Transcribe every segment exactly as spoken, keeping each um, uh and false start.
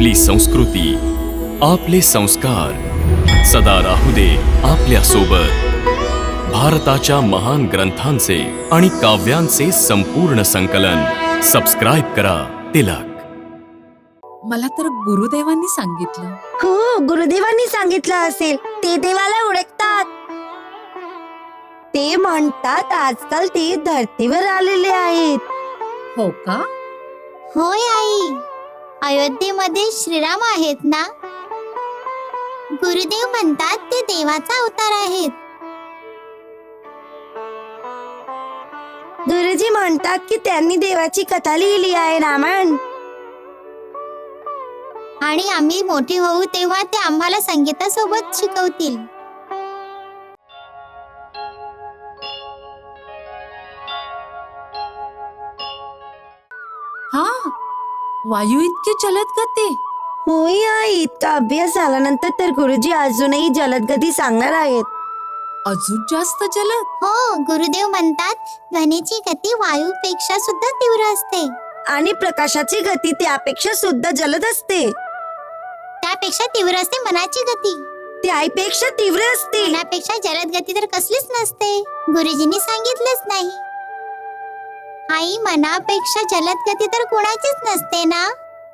आपली संस्कृती, आपले संस्कार सदा राहू दे आपल्या सोबत. भारताच्या महान ग्रंथांचे आणि काव्यांचे संपूर्ण संकलन. सबस्क्राईब करा तिलक. मला तर गुरुदेवांनी सांगितलं. हो, गुरुदेवांनी सांगितलं असेल. ते देवाला ओळखतात. ते म्हणतात आजकाल ते धरतीवर आलेले आहेत. हो का? होय आई, अयोध्येमध्ये श्रीराम आहेत ना. गुरुदेव म्हणतात ते देवाचा अवतार आहेत. गुरुजी म्हणतात की त्यांनी देवाची कथा लिहिली आहे, रामायण. आणि आम्ही मोठे होऊ तेव्हा ते आम्हाला संगीतासोबत शिकवतील. हा, वायू इतके जलद गती. होय आई, इतका अभ्यास झाल्यानंतर तर गुरुजी अजूनही जलदगती सांगणार आहेत. अजून जास्त जलद. हो, गुरुदेव म्हणतात ध्वनीची गती वायूपेक्षा सुद्धा तीव्र असते. आणि प्रकाशाची गती त्यापेक्षा सुद्धा जलद असते. त्यापेक्षा तीव्र असते मनाची गती. ती आईपेक्षा तीव्र असते. मनापेक्षा जलद गती तर कसलीच नसते. गुरुजींनी सांगितलंच नाही. आई, मनापेक्षा जलद गती तर कोणाचीच नसते ना.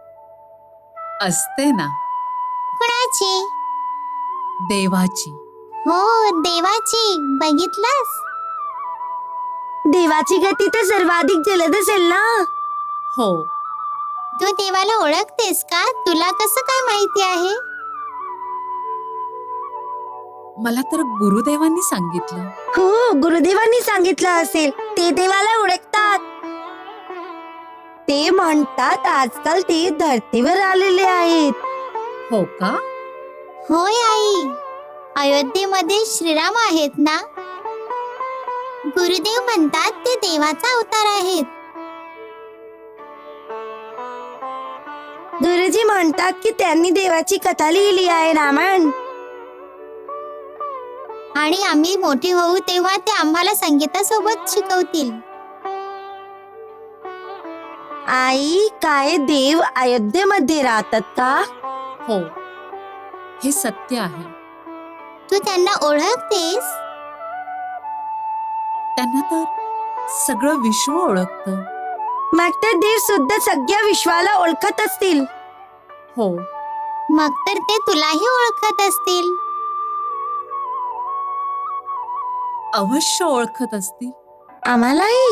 असते ना, कोणाची? देवाची. हो, देवाची. बघितलंस? देवाची गती तर सर्वाधिक जलद असेल ना. हो. तू देवाला ओळखतेस का? तुला कसं काय माहिती आहे? मला तर गुरुदेवांनी सांगितलं. हो, गुरुदेवांनी सांगितलं असेल. ते देवाला ओळखतात. ते म्हणतात आजकाल ते धरतीवर आलेले आहेत. हो का? होय आई, अयोध्येमध्ये श्रीराम आहेत ना. गुरुदेव म्हणतात ते देवाचा अवतार आहेत. गुरुजी म्हणतात की त्यांनी देवाची कथा लिहिली आहे, रामायण. आणि आम्ही मोठे होऊ तेव्हा ते आम्हाला संगीतासोबत शिकवतील. आई, काय देव अयोध्येमध्ये राहतात का? हो, हे सत्य आहे. तू त्यांना ओळखतेस? त्यांना तर सगळं विश्व ओळखतं. मग तर देव सुद्धा सगळ्या विश्वाला ओळखत असतील. हो. मग तर ते तुलाही ओळखत असतील. अवश्य ओळखत असतील. आम्हालाही.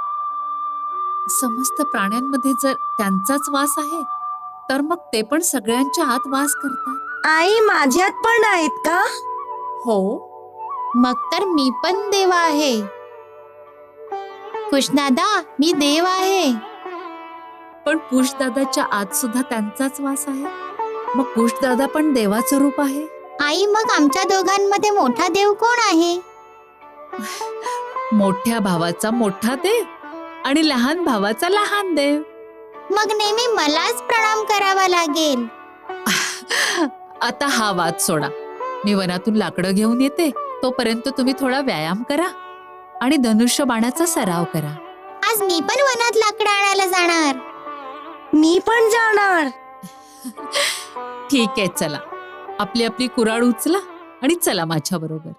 समस्त प्राण्यांमध्ये जर त्यांचाच वास आहे तर मग ते पण सगळ्यांच्या आत वास करतात. आई, माझ्यात पण आहेत का? हो. मग तर मी पण देव आहे. कृष्णादा, मी देव आहे. पण कुशदादाच्या आत सुद्धा त्यांचाच वास आहे. मग कुशदादा पण देवाचं रूप आहे. आई, मग आमच्या दोघांमध्ये मोठा देव कोण आहे? मोठ्या भावाचा मोठा देव आणि लहान भावाचा लहान देव. मग नेहमी मलाच प्रणाम करावा लागेल. आता हा वाद सोडा. मी वनातून लाकडं घेऊन येते. तोपर्यंत तुम्ही थोडा व्यायाम करा आणि धनुष्य बाणाचा सराव करा. आज मी पण वनात लाकडं आणायला जाणार. मी पण जाणार. ठीक आहे, चला. आपली आपली कुऱ्हाड उचला आणि चला माझ्या बरोबर.